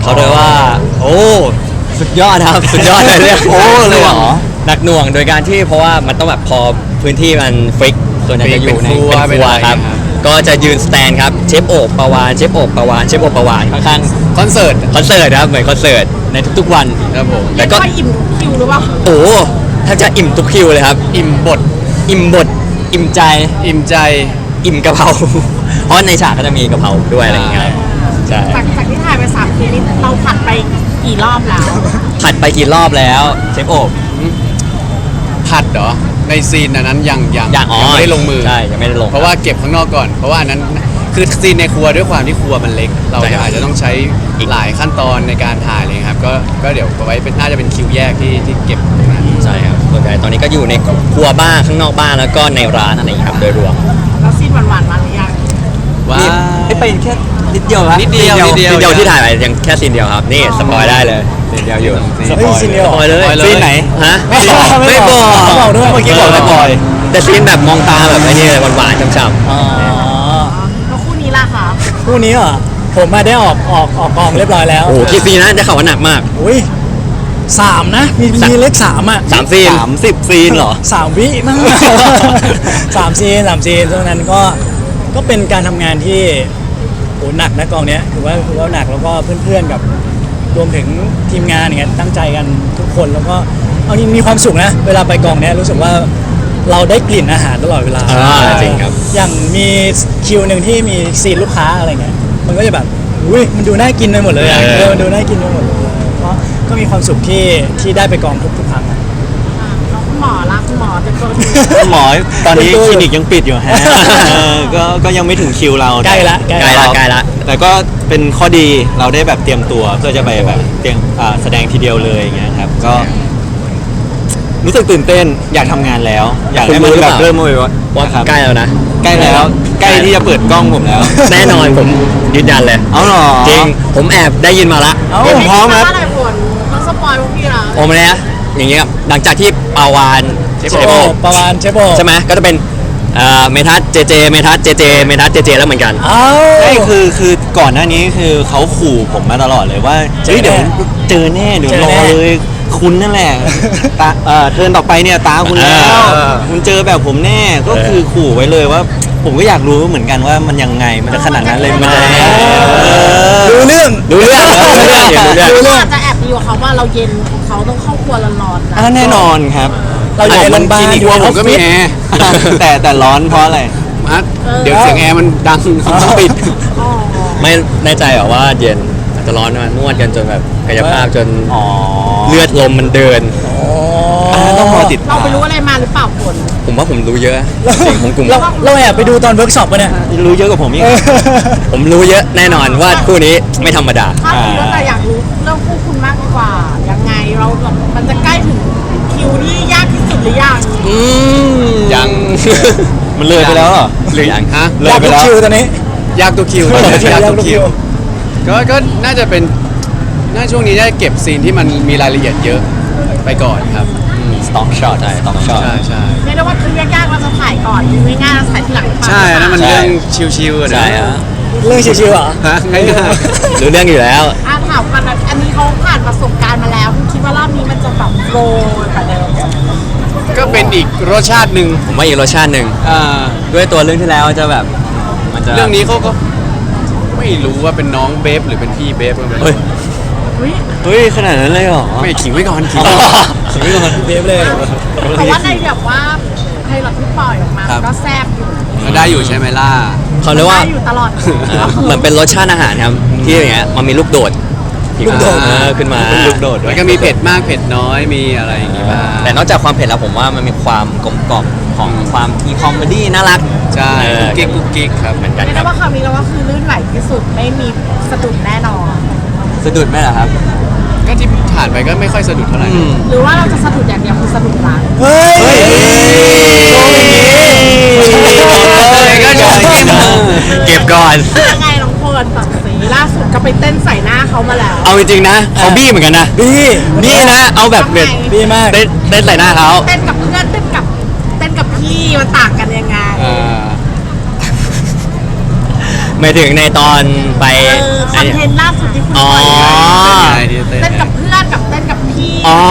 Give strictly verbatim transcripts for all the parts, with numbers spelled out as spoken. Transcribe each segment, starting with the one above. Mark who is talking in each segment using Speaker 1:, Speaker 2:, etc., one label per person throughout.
Speaker 1: เขาเรียกว่าโอ้สุดยอดครับสุดยอดเลยเรียกโอ้เลยเหรอหนักหน่วงโดยการที่เพราะว่ามันต้องแบบพอพื้นที่มันฟิกส่วนใหญ่จะอยู่ในเป็นครัวครับก็จะยืนสแตนครับเชฟโอบปาวานเชฟโอบปาวานเชฟโอบปาวานข้างๆคอนเสิร์ตคอนเสิร์ตครับเหมือนคอนเสิร์ตในทุกๆวันครับผม
Speaker 2: แล้วก็อิ่มคิวหรือเปล่า
Speaker 1: โอ้แทบจะอิ่มทุกคิวเลยครับอิ่มบทอิ่มบทอิ่มใจอิ่มใจอิ่มกะเพราเพราะในฉากก็จะมีกะเพราด้วยอะไรอย่างเงี้ยใช่
Speaker 2: จากจากที่ถ่ายไปสามคืนนี้เราผัดไปกี่รอบแล้ว
Speaker 1: ผัดไปกี่รอบแล้วเชฟโอบ
Speaker 3: ผัดเหรอในซีนนั้นยังยัง
Speaker 1: ยัง
Speaker 3: ไม่ได้ลงมือ
Speaker 1: ใช่ยังไม่ได้ลง
Speaker 3: เพราะว่าเก็บข้างนอกก่อนเพราะว่านั้นคือซีนในครัวด้วยความที่ครัวมันเล็กเราอาจจะต้องใช้อีกหลายขั้นตอนในการถ่ายเลยครับก็ก็เดี๋ยวไว้เป็นน่าจะเป็นคิวแยกที่ที่เก็บตรงนั้น
Speaker 1: ใช่ครับส่วนใหญ่ตอนนี้ก็อยู่ในครัวบ้านข้างนอกบ้านแล้วก็ในร้านอะไรอย่างนี้ครับโดยรวม
Speaker 2: แล้วซีนหวานๆมาหรือยัง
Speaker 1: ว่าไม่ไปแค่นิดเดียวครับ
Speaker 3: นิดเดียวนิดเดียว
Speaker 1: นิดเดียวที่ถ่ายไปยังแค่ซีนเดียวครับนี่สปอยได้เลยซีนเดียวอยู่
Speaker 4: สปอยซีนเดียว
Speaker 1: สปอยเลยซีนไหนฮะ
Speaker 4: ไม่บอก
Speaker 1: ไม่บอก
Speaker 4: บอกด้วยเมื่อกี้บอกไม่ปอย
Speaker 1: แต่ซีนแบบมองตาแบบไอ้นี่เลยหวานๆฉ่ำๆ
Speaker 4: อ๋อ
Speaker 2: แล้วคู่นี้ล่ะคะ
Speaker 4: คู่นี้เหรอผมมาได้ออกออกออกกองเรียบร้อยแล้ว
Speaker 1: โอ้กี่ซีนนะจะข่าวว่าหนักมาก
Speaker 4: อุ้ยสามนะมีมีเลขสามอ่ะ
Speaker 1: สามซีนสามสิบซีนเหรอ
Speaker 4: สามวิมั้งสามซีนสามซีนตรงนั้นก็ก็เป็นการทำงานที่โหหนักนะกองเนี้ยถือว่าถือว่าหนักแล้วก็เพื่อนๆกับรวมถึงทีมงานอย่างเงี้ยตั้งใจกันทุกคนแล้วก็เอาจริงมีความสุขนะเวลาไปกองเนี้ยรู้สึกว่าเราได้กลิ่นอาหารตลอดเวลา
Speaker 1: จริงครับ
Speaker 4: อย่างมีคิวหนึ่งที่มีซีนลูกค้าอะไรเงี้ยมันก็จะแบบอุ้ยมันดูน่ากินไปหมดเลยอ่ะเออมันดูน่ากินไปหมดเลยเพราะก็มีความสุขที่ที่ได้ไปกองทุกทุกครั้ง
Speaker 2: แล้วคุณหมอละคุณหมอเป็นตัว
Speaker 5: หมอตอนนี้คลินิกยังปิดอยู่ฮะก็ก็ยังไม่ถึงคิวเรา
Speaker 4: ใกล้ละใกล้
Speaker 1: ละใกล้ละ
Speaker 5: แต่ก็เป็นข้อดีเราได้แบบเตรียมตัวเพื่อจะไปแบบเตรียมแสดงทีเดียวเลยอย่างเงี้ยครับก็รู้สึกตื่นเต้นอยากทำงานแล้วอยากให้มันแบบเริ่มเลยว่า
Speaker 1: ใกล้แล้วนะ
Speaker 5: ใกล้แล้วใกล้ที่จะเปิดกล้องผมแล้ว
Speaker 1: แน่นอนผมยืนยันเลย
Speaker 5: เอาหรอ
Speaker 1: จริงผมแอบได้ยินมาละ
Speaker 2: ผมพร้อมครับอะไรผลต้องสปอยพวกพี่นะ
Speaker 1: โอ้ไม่นะอย่างเงี้ยหลังจากที่ปาวาน
Speaker 4: เชฟโบปาวานเชฟโบ
Speaker 1: ใช่ไหมก็จะเป็นเมทัสเจเจเมทัสเจเจเมทัสเจเจแล้วเหมือนกัน
Speaker 5: ใช่คือคือก่อนหน้านี้คือเขาขู่ผมมาตลอดเลยว่าเฮ้ยเดี๋ยวเจอแน่เดี๋ยวรอเลยคุณนั่นแหละตาเอ่อเทิร์นต่อไปเนี่ยตาคุณแล้วคุณเจอแบบผมแน่ก็คือขู่ไว้เลยว่าผมก็อยากรู้เหมือนกันว่ามันยังไงมันจะขนาดนั้นเลยมันจะ
Speaker 4: รู้เรื่อง
Speaker 1: รู้เรื่องรู้เรื่อง
Speaker 2: รู้เรื่องจะแอบดีกว่าเขาว่าเราเย็นเขาต้องเข้าครัวร้อนๆนะ
Speaker 5: แน่นอนครับ
Speaker 4: เราอยู่ในโรงพยาบาล
Speaker 3: อยู่ผมก็มีแอร์
Speaker 5: แต่แต่ร้อนเพราะอะไร
Speaker 3: เดี๋ยวเสียงแอร์มันดังต้องปิด
Speaker 1: ไม่แน่ใจหรอว่าเย็นอาจจะร้อนมานวดกันจนแบบกายภาพจนเลือดลมมันเดิน
Speaker 4: ต้องรอติด
Speaker 2: เราไปรู้อะไรมาหรือเปล่าผล
Speaker 1: ผมว่าผมรู้เยอะจริงผมกลุ่ม
Speaker 4: เราแอบไปดูตอนเวิร์กช็อปป่ะเนี่ย
Speaker 5: รู้เยอะกว่าผมอีก
Speaker 1: ผมรู้เยอะแน่นอนว่าคู่นี้ไม่ธรรมดา
Speaker 2: ถ้ารู้แล้วแต่อยากรู้เรื่องคู่คุณมากกว่ายังไงเราแบบมันจะใกล้ถึงคิวที่ยากที่สุดหรือยัง
Speaker 1: อืม
Speaker 3: ยัง
Speaker 5: มันเลยไปแล้วเหรอ
Speaker 1: หรือยังฮะ
Speaker 4: เลยไปแล้วคิวตอนนี้
Speaker 3: ยากตัวคิวยากตัวคิวก็ก็น่าจะเป็นน่าช่วงนี้ได้เก็บซีนที่มันมีรายละเอียดเยอะไปก่อนครับ
Speaker 1: สต็อกช็อตใช่สต็อกช็อต
Speaker 3: ใช่ใช่
Speaker 2: เรียกได้ว่าคือยากๆเราจะถ่ายก่อนคือง่ายๆเราถ่ายทีหลัง
Speaker 3: ใช่นั่นมันเรื่องชิวๆ
Speaker 1: ใช่ฮะ
Speaker 4: เรื่องชิวๆเหรอ
Speaker 3: ฮะง่าย
Speaker 1: ๆรู้เรื่องอยู่แล้ว
Speaker 2: อ่ะถามกันอันนี้เขาผ่านประสบการณ์มาแล้วคุณคิดว่ารอบนี้มันจะแบบโกลกว่าเดิม
Speaker 3: ก็เป็นอีกรสชาติหนึ่ง
Speaker 1: ผมว่าอีกรสชาติหนึ่งด้วยตัวเรื่องที่แล้วจะแบบ
Speaker 3: มันจะเรื่องนี้เขาก็ไม่รู้ว่าเป็นน้องเบฟหรือเป็นพี่เบฟกัน
Speaker 1: เฮ้ย
Speaker 5: เฮ้ยขนาดนั้นเลยเหรอ
Speaker 3: ไม่ขิงไว้ก่อนขิง
Speaker 4: ขิงไว้ก่อนเบฟเลย
Speaker 2: แต่ว่าในแบบว่าไพลอตที่ปล่อยออกมาก็แซ่บอยู่
Speaker 3: ก็ได้อยู่ใช่ไหมล่ะ
Speaker 1: เขาเรียกว่า
Speaker 2: อยู่ตลอด
Speaker 1: เหมือนเป็นรสชาติอาหารครับที่อย่างเงี้ยมันมีลูกโดด
Speaker 4: ลูกโดด
Speaker 1: ขึ้นมา
Speaker 3: ลูกโดดแล้วก็มีเผ็ดมากเผ็ดน้อยมีอะไรอย่างงี้บ้าง
Speaker 1: แต่นอกจากความเผ็ดแล้วผมว่ามันมีความกลมกล่อมของความมีคอมเมดี้น่ารัก
Speaker 3: ใช่กิ๊กกุ๊กกิ๊กครับ
Speaker 1: เหมือนกัน
Speaker 2: ครับว่าคำนี้เราก็คือลื่นไหลที่สุดไม่มีสะดุดแน่นอน
Speaker 1: สะดุดไหมล่ะครับ
Speaker 3: ก็ที่ผ่านไปก็ไม่ค่อยสะดุดเท่าไหร่
Speaker 2: หรือว่าเราจะสะดุดอย่างเดียวคือสะดุดรัก
Speaker 4: เฮ้ย
Speaker 1: ก็จะเก็บก่อน
Speaker 2: ยังไงน้องพลตัดสีล่าสุดก็ไปเต้นใส่หน้าเขามาแล้ว
Speaker 1: เอาจริงๆนะเขาบี้เหมือนกันนะ
Speaker 4: บี้
Speaker 1: บี้นะเอาแบบเด็ด
Speaker 4: บี้มาก
Speaker 1: เต้นเต้นใส่หน้าเขา
Speaker 2: เต้นกับเพื่อนเต้นกับเต้นกับพี่มันต่างกันยังไง
Speaker 1: หมายถึงในตอนไป
Speaker 2: เออคอนเทนต์ล่าสุดที่คุณ
Speaker 1: อ๋อ
Speaker 2: ปล่อย
Speaker 3: เต้นไงที่เต้น
Speaker 2: เต้น
Speaker 3: ไง
Speaker 2: กับเพื่อนกับเต้นกับพี่
Speaker 1: อ๋อ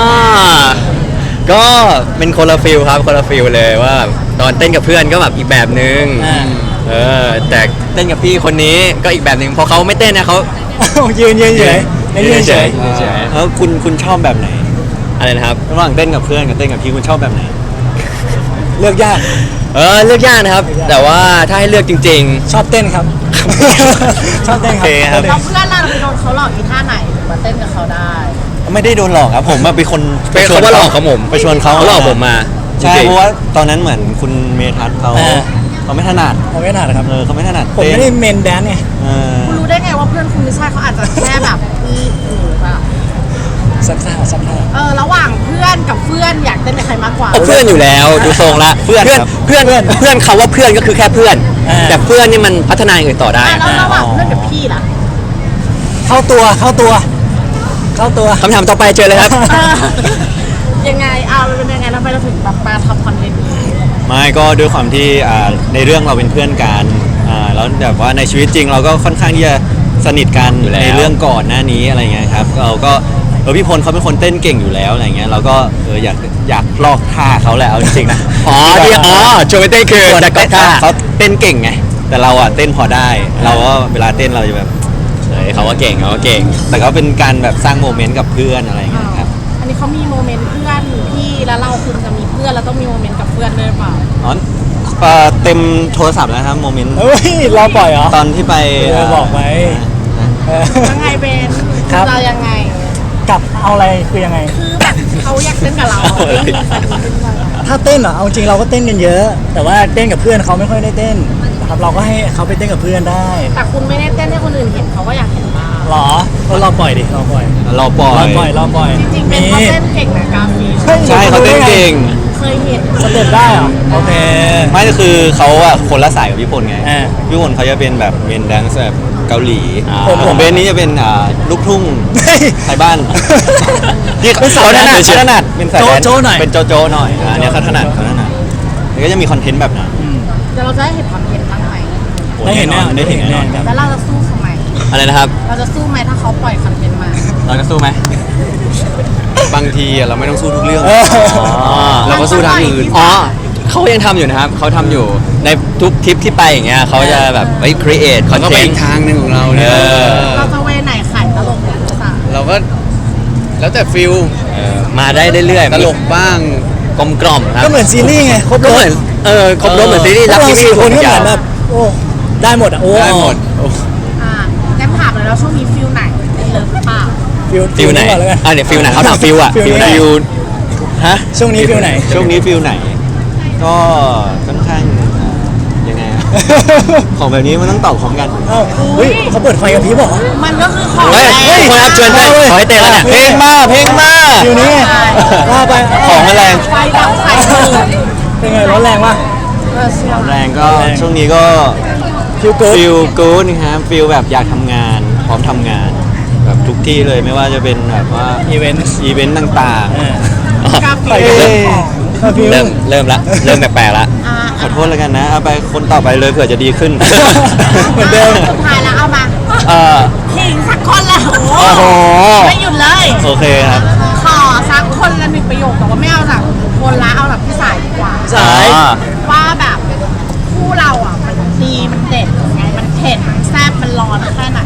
Speaker 1: ก็เป็นคนละฟิลครับคนละฟิลเลยว่าตอนเต้นกับเพื่อนก็แบบอีกแบบนึง
Speaker 4: อ่า
Speaker 1: เออแต่เต้นกับพี่คนนี้ก็อีกแบบนึงพอเขาไม่เต้นนะเขา
Speaker 4: ยืนยืนเฉยยืนเฉย
Speaker 1: ยืนเฉย
Speaker 5: แล้วคุณคุณชอบแบบไหน
Speaker 1: อะไรนะครับ
Speaker 5: ระหว่างเต้นกับเพื่อนกับเต้นกับพี่คุณชอบแบบไหน
Speaker 4: เลือกยาก
Speaker 1: เออเลือกยากนะครับ แต่ว่าถ้าให้เลือกจริง
Speaker 4: ชอบเต้นครับ ชอบเต้นครับ
Speaker 5: โอเคครับ
Speaker 2: เราเพื่อนเราไปโดนเขาหลอกอีท่าไหนถึงมาเต้นกับเขาได้
Speaker 5: ไม่ได้โดนหลอกครับผมอะเป็นคน
Speaker 1: ๆเป็นเขาว่าหลอกเขาผม
Speaker 5: ไปชวนเขา
Speaker 1: เขาหลอกผมมา
Speaker 5: ใช่
Speaker 1: จงๆ
Speaker 5: เพราะว่าตอนนั้นเหมือนคุณเมทัศน์เขา
Speaker 4: เออ
Speaker 5: เขาไม่ถนัด
Speaker 4: ผมไม่ถนัดครับ
Speaker 5: เออเขาไม่ถนัด
Speaker 4: ผมไม่ได้
Speaker 5: เต้น
Speaker 4: เมนแดนซ์ไง
Speaker 5: เออ
Speaker 2: คุณรู้ได้ไงว่าเพื่อนคุณไม่ใช่เขาอาจจะแค่แบบมีหรือเปล่า
Speaker 4: สักท่าสักท่า
Speaker 2: เออระหว่างเพื่อนกับเพื่อนอยากเต้นกับใครมากกว่า
Speaker 1: เอาเพื่อนอยู่แล้วดูทรงละ
Speaker 5: เพื่อนครับ
Speaker 1: เพื่อนเพื่อนเพื่อนเขาว่าเพื่อนก็คือแค่เพื่อน
Speaker 4: อ่า
Speaker 1: แต่เพื่อนนี่มันพัฒนาอย่างอื่นต่อได้
Speaker 2: อ่ะแล้วระหว่างเพื่อนกับพี่ล่ะ
Speaker 4: เข้าตัวเข้าตัว เข้าตัว
Speaker 1: คำถามต่อไปเจอเลยครับ
Speaker 2: เออยังไงเอามันเป็นยังไงทำไมเราถึงแบบมาทำคอนเทนต์นี้
Speaker 5: ไม่ก็ด้วยความที่อ่าในเรื่องเราเป็นเพื่อนกันอ่าแล้วแบบว่าในชีวิตจริงเราก็ค่อนข้างที่จะสนิทกัน
Speaker 1: อยู่แล้ว
Speaker 5: ในเรื่องก่อนหน้านี้อะไรเงี้ยครับเราก็เออพี่พลเขาเป็นคนเต้นเก่งอยู่แล้วอะไรเงี้ยเราก็เอออยากอยากลอกท่าเขาแหละเอาจริงๆนะ
Speaker 1: อ๋อที่อ๋อโชว์ไปเต้นคือ
Speaker 5: ส่วน
Speaker 1: แต่ก็ท่า
Speaker 5: เขาเต้นเก่งไงแต่เราอ่ะเต้นพอได้ เราก็เวลาเต้นเราจะแบบ
Speaker 1: เฮ้ยเขาว่าเก่งเขาว่าเก่ง
Speaker 5: แต่ก็เป็นการแบบสร้างโมเมนต์กับเพื่อนอะไรเงี้ยครับ
Speaker 2: อันนี้เขามีโมเมนต์เพื่อนพี่แล้วเราคุณจะมีเพื่อนแล้วต้องมีโมเมนต์กับเพื่อนด้วยหรือเปล่า
Speaker 5: อ๋อเอ่อเต็มโทรศัพท์แล้วครับโมเมนต์
Speaker 4: เฮ้ยรอปล่อยเหรอ
Speaker 5: ตอนที่ไป
Speaker 4: เออบอกไว้ เออ
Speaker 2: ยังไงเบน
Speaker 4: ครับ
Speaker 2: เรายังไง
Speaker 4: กลับเอาอะไรคือยังไง
Speaker 2: คือแบบเขาอยากเต้นกับเราเรื่องมีแฟนขึ้นมา
Speaker 4: ถ้าเต้นเหรอเอาจริงเราก็เต้นกันเยอะ แต่ว่าเต้นกับเพื่อนเขาไม่ค่อยได้เต้นนะครับเราก็ให้เขาไปเต้นกับเพื่อนได้
Speaker 2: แต่คุณไม่ได้เต้นให้คนอื่นเห็นเขาก็อยากเห็นบ้าง
Speaker 4: หรอก็รอปล่อยดิรอปล่อย
Speaker 5: เราปล่อ
Speaker 4: รอย ปล่อยรอปล่อย
Speaker 2: จริงๆเบนเขาเต้นเก่งนะกราฟี
Speaker 5: ใช่เขาเต้นเก่ง
Speaker 2: เคยเห็น
Speaker 4: สเต็ปได้เหรอโอเค
Speaker 5: ไม่ก็คือเขาอะคนละสายกับพี่พลไง
Speaker 4: อ่า
Speaker 5: พี่พลเขาจะเป็นแบบเมนแดนซ์แบบเกาหลี
Speaker 4: ผม
Speaker 5: ผมเบนนี้จะเป็นอ่าลูกทุ่ง
Speaker 4: เฮ้ย
Speaker 5: ไทยบ้านที่
Speaker 4: เป็นสาย
Speaker 5: เขาถนัด
Speaker 4: แดนซ์
Speaker 5: เขาถนัดเป็นสายแดนซ์
Speaker 4: โจ๊ะๆหน่อย
Speaker 5: เป็นโจโจ้หน่อยอันเนี้ยเขาถนัดเขาถนัดแล้วก็จะมีคอนเทนต์แบบนั้น
Speaker 2: เดี๋ยวเราจะได้เห็นความเห็นบ้างไหม
Speaker 5: โอ้แน่นอนได้เห็นแน่นอนครับ
Speaker 2: แล้วเราจะสู้เขาไหม
Speaker 1: อะไรนะครับ
Speaker 2: เราจะสู้ไหมถ้าเขาปล่อยคอนเทนต์มา
Speaker 1: เราจะสู้ไหม
Speaker 3: บางทีอะเราไม่ต้องสู้ทุกเรื่อง
Speaker 4: เออ
Speaker 1: อ๋อ
Speaker 3: เราก็สู้ทางอื่น
Speaker 1: อ๋อเขายังทำอยู่นะครับเขาทำอยู่ในทุกทริปที่ไปอย่างเงี้ยเขาจะแบบเฮ้ย create
Speaker 3: เขาก็ไป
Speaker 1: content
Speaker 3: อีกทางหนึ่งของเราเนี่ย
Speaker 1: เออ
Speaker 2: เราจะเวไหนขายตลกหรือภาษา
Speaker 3: เราก็แล้วแต่ฟิล
Speaker 1: เออมาได้เรื่อยๆ
Speaker 3: ตลกบ้าง
Speaker 1: กลมกล่อมครับ
Speaker 4: ก็เหมือนซีรีส์ไงครบ
Speaker 1: ก็
Speaker 4: ร
Speaker 1: เห
Speaker 4: ถ
Speaker 1: มือนเออครบรถเหมือนซีรีส์
Speaker 4: พว
Speaker 1: รั
Speaker 4: ก
Speaker 1: ก
Speaker 4: เรา
Speaker 1: ที่
Speaker 4: สี่คนก็เหมือน
Speaker 1: ยาว
Speaker 4: แบบโอ้ได้หมดอ่ะโอ้
Speaker 3: ได้หมดโอ้
Speaker 2: อ่าแก้มถามเลยแล้วช่วงนี้ฟิลไหนเป็นเลิฟหรือเปล่า
Speaker 4: ฟิล
Speaker 1: ฟิลไหน
Speaker 4: ก่อนแล้วกัน
Speaker 1: อ่ะเนี่ยฟิลไหนเขาถามฟิลอะ
Speaker 4: ฟิลไหน
Speaker 5: ฟิลฮะ
Speaker 4: ช่วงนี้ฟิลไหน
Speaker 5: ช่วงนี้ฟิลไหน ก็ค่อนข้างอ่ายังไงอะของแบบนี้มันต้องตอบพร้อมกัน
Speaker 4: เอ้าเฮ้ยเขาเปิดไฟกับพี่บอก
Speaker 2: มันก็คือของ
Speaker 1: เฮ้ย
Speaker 2: แร
Speaker 1: เฮ้ย
Speaker 2: ง
Speaker 1: คนรับเชิญให้ขอให้เต้นแล้วเนี่ย
Speaker 5: เพลงมาเพลงมา
Speaker 4: ฟิลนี้ไงว่าไป
Speaker 5: ของอะไร
Speaker 2: ไฟดับไฟเลย
Speaker 4: เป็นไงร้อนแรงวะ
Speaker 2: เออเชื่อ
Speaker 5: แรงก็
Speaker 4: แรง
Speaker 5: ช่วงนี้ก็
Speaker 4: ฟิลกู๊ด
Speaker 5: ฟิลกู๊ดนะครับฟิลแบบอยากทำงาน พร้อมทำงาน แบบทุกที่เลยไม่ว่าจะเป็นแบบว่า
Speaker 4: อีเวนต์
Speaker 5: อีเวนต์ต่าง
Speaker 2: กราฟิ
Speaker 4: ไป
Speaker 2: ก
Speaker 4: กัน
Speaker 5: เอ้
Speaker 4: เลย
Speaker 5: ย
Speaker 4: ฟิล
Speaker 1: เริ่มเริ่มละเริ่มแปลกๆละ
Speaker 2: อ่า
Speaker 5: ๆ ขอโทษแล้วกันนะ เอาไปคนต่อไปเลยเผื่อจะดีขึ้น
Speaker 4: เหมือนเดิม
Speaker 2: สุดท้ายแล้วเอามา
Speaker 5: เอ่อ
Speaker 2: ขิงสักคนละ
Speaker 5: โอ้โห
Speaker 2: ไม่หยุดเลย
Speaker 5: โอเคครับ
Speaker 2: ขอสักคนละหนึ่งประโยคแต่ว่าไม่เอาจากคนละเอาแบบพี่สายดีกว่า
Speaker 4: สาย
Speaker 5: อ่า
Speaker 2: ว่าแบบคู่เราอ่ะมันดีมันเด็ดไงมันเผ็ดมันแซ่บมันร้อนแค่ไหน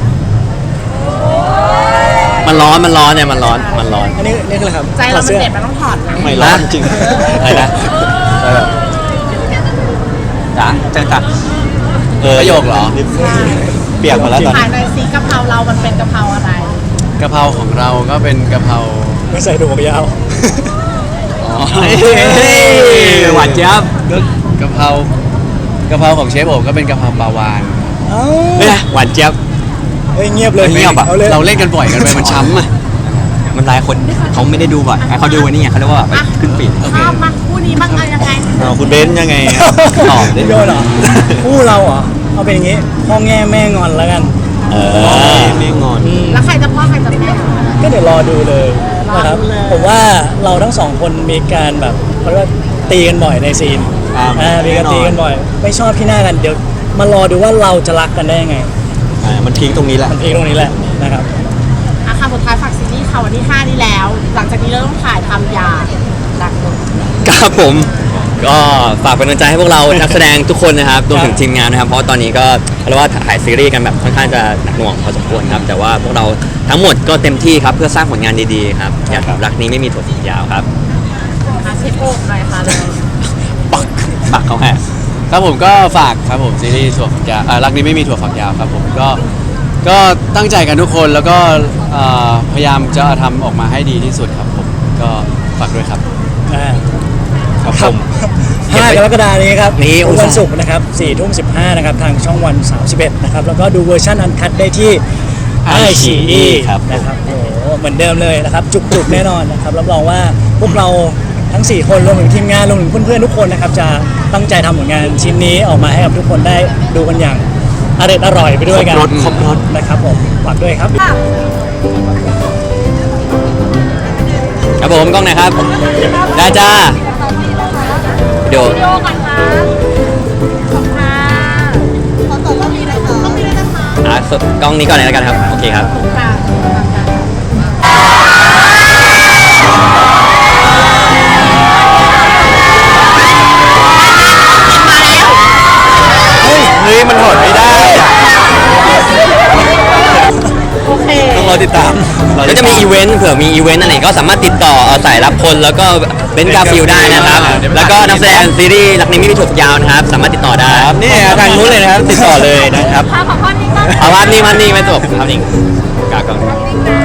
Speaker 1: มันร้อนมันร้อนเนี่ยมันร้อนมันร้อน
Speaker 4: อันนี้นี่คืออะไรครับ
Speaker 2: ใจเรา
Speaker 4: ถอ
Speaker 2: มัน
Speaker 4: สื้อ
Speaker 2: เด็ดมันต้องถอดนะ
Speaker 5: ไม่ร้อนจริง
Speaker 1: อะไรนะ
Speaker 5: จ้ะจังจังเออ
Speaker 3: ประโยคเหรอ
Speaker 5: เปียกหมดแล้วตอน
Speaker 2: ถ่าย
Speaker 5: นี้
Speaker 2: ในอยสีกะเพราเรามันเป็นกะเพราอะไร
Speaker 3: กะเพราของเราก็เป็นกะเพรา
Speaker 4: ไม่ใส่ถุงยาว
Speaker 3: อ๋อ
Speaker 1: เฮ้ยหวานเจี๊ยบ
Speaker 3: ก็กะเพรากะเพราของเชฟโอบก็เป็นกะเพราปลาวาน
Speaker 4: เอ้า
Speaker 1: เนี่ยหวานเจี๊ยบ
Speaker 4: เฮ้ยเงียบเลย
Speaker 1: เงียบอะ
Speaker 4: เอาเลย
Speaker 3: เราเล่นกันบ่อยกันไปมันช้ำอ่ะ
Speaker 1: มันหลายคนเขาไม่ได้ดูบ่อยเขาดูวันนี้ไงเขาเรียกว่าแบบขึ้นปีด
Speaker 2: ข้ามมาคู่นี้บ้างเอายังไง
Speaker 5: เอาคุณเบนซ์ยังไงครับตอบดิ
Speaker 4: โยนเหรอคู่เราเหรอเอาเป็นอย่างงี้พ่อแง่แม่งอนแล้วกัน
Speaker 5: เออไม่งอน
Speaker 2: แล้วใครจะพ่อใครจะแม่
Speaker 4: ก็เดี๋ยวรอดูเลย
Speaker 2: รอ
Speaker 4: นะครับ
Speaker 2: ดูเลย
Speaker 4: ผมว่าเราทั้งสองคนมีการแบบเขาเรียกว่าตีกันบ่อยในซีน
Speaker 5: อ่า
Speaker 4: อ่ามีการ
Speaker 5: แน่นอน
Speaker 4: ตีกันบ่อย ไม่ชอบที่หน้ากันเดี๋ยวมารอดูว่าเราจะรักกันได้ยังไง
Speaker 5: อ่ามันพีคตรงนี้แหละ
Speaker 4: มันพีคตรงนี้แหละนะครับ
Speaker 2: อาคารสุดท้ายฝากซีรีส์ค่ะวันที่ห้านี้แล้ว หลังจากนี้เราต้องถ่ายทำยาดักหนึ่ง
Speaker 1: ครับผมก็ฝากเป็นกำลังใจให้พวกเรา นักแสดงทุกคนนะครับรวมถึงทีมงานนะครับ เพราะว่าตอนนี้ก็เรียกว่าถ่ายซีรีส์กันแบบค่อนข้างจะหนักหน่วงพอสมควรครับ แต่ว่าพวกเราทั้งหมดก็เต็มที่ครับเพื่อสร้างผลงานดีๆครับอยากรักนี้ไม่มีถั่วฝักยาวครับ
Speaker 2: อาเชฟโอ๊กหน่อยค่ะเลย
Speaker 1: ปักปักเขาแห่
Speaker 3: ครับผมก็ฝากครับผมซีรีส์ถั่วฝักยาวเอ่อรักนี้ไม่มีถั่วฝักยาวครับผมก็ก็ตั้งใจกันทุกคนแล้วก็เอ่อพยายามจะทำออกมาให้ดีที่สุดครับผมก็ฝากด้วยครับ
Speaker 4: อ่า
Speaker 1: ครับผม
Speaker 4: ห้ากรกฎาคมนี้ครับ
Speaker 1: นี่
Speaker 4: ทุกวันศุกร์นะครับสี่ทุ่มสิบห้านะครับทางช่องวันสามสิบเอ็ดนะครับแล้วก็ดูเวอร์ชันอันคัดได้ที่ ไอ ซี อี
Speaker 5: ครับ
Speaker 4: นะครับโอ้โหเหมือนเดิมเลยนะครับจุกๆแน่นอนนะครับรับรองว่าพวกเราทั้ง สี่ คนรวมถึงทีมงานรวมถึงเพื่อนๆทุกคนนะครับจะตั้งใจทำผลงานชิ้นนี้ออกมาให้กับทุกคนได้ดูกันอย่างอร่อยอร่อยไปด้วยกัน
Speaker 5: ครบรสครบรส
Speaker 4: นะครับผมฝากด้วยครับ
Speaker 1: ครับผมกล้องไหนครับ ได้จ้าเดี๋ยว
Speaker 2: วิดีโอก่อนค่ะขอบคุณค่ะขอต่อต้องมีเลยค่ะต้องมีเลยนะคะ
Speaker 1: อ่ะสดกล้องนี้ก่อนเลยแล้วกันครับ โอเคครับ
Speaker 2: ค่ะ
Speaker 5: เฮ้ยมันถอดไม่ได้อะ
Speaker 2: โอเค
Speaker 5: ต้องรอติดตาม
Speaker 1: ก็จะมีอีเวนต์เผื่อมีอีเวนต์อะไรก็สามารถติดต่อเอาสายรับคนแล้วก็เบนซ์กาฟิลได้นะครับ แล้วก็นักแสดงซีรีส์รักนี้ไม่มีถั่วฝักยาวนะครับ สามารถติดต่อได้
Speaker 5: ครับนี่ทางนู้นเลยนะครับ ติดต่อเลยนะครับ
Speaker 2: ค่ะขอข้อนี้ก็
Speaker 1: เอาภาพนี้มานี่ไม่จบภาพนี้กากล้อง